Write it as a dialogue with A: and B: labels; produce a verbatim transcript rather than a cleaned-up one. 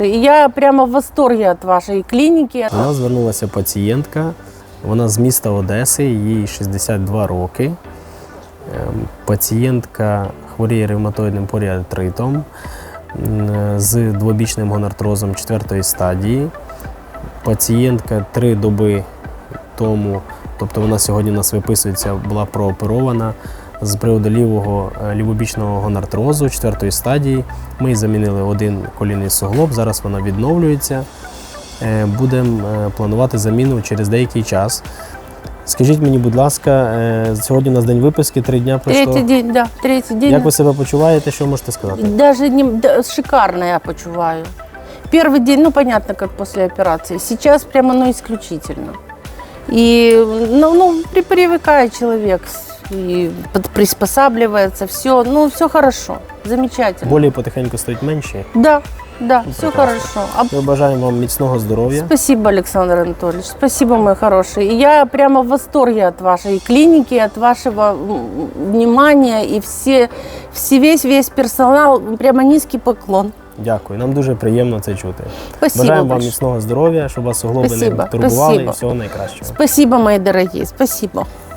A: Я прямо в восторге от вашей клиники.
B: До нас звернулася пацієнтка, вона з міста Одеси, їй шістдесят два роки. Ем, Пацієнтка хворіє ревматоїдним поріартритом м, з двобічним гонартрозом четвертої стадії. Пацієнтка три доби тому, тобто вона сьогодні у нас виписується, була прооперована з приводу лівого е, лівобічного гонартрозу четвертої стадії. Ми їй замінили один колінний суглоб, зараз вона відновлюється. Е, Будемо е, планувати заміну через деякий час. Скажіть мені, будь ласка, е, сьогодні у нас день виписки, три дня пройшло.
A: Третий день, да, третий день.
B: Як ви себе почуваєте, що можете сказати?
A: Даже не, да, шикарно я почуваю. Первый день, ну понятно, как после операции. Сейчас прямо, ну, исключительно. И, ну, ну при- привыкает человек и под- приспосабливается, все, ну, все хорошо, замечательно.
B: Болі потихеньку стають менші.
A: Да, да, все
B: прекрасно.
A: хорошо. А
B: Ми бажаємо вам міцного здоров'я.
A: Спасибо, Александр Анатольевич, спасибо, мой хороший. И я прямо в восторге от вашей клиники, от вашего м, внимания и все, все весь, весь персонал, прямо низкий поклон.
B: Дякую, нам дуже приємно це чути.
A: Спасибо
B: Бажаємо вам
A: большое.
B: міцного здоров'я, щоб вас суглоби не
A: Спасибо,
B: турбували і
A: спасибо.
B: всього найкращого.
A: Спасибо, мои дорогие, спасибо.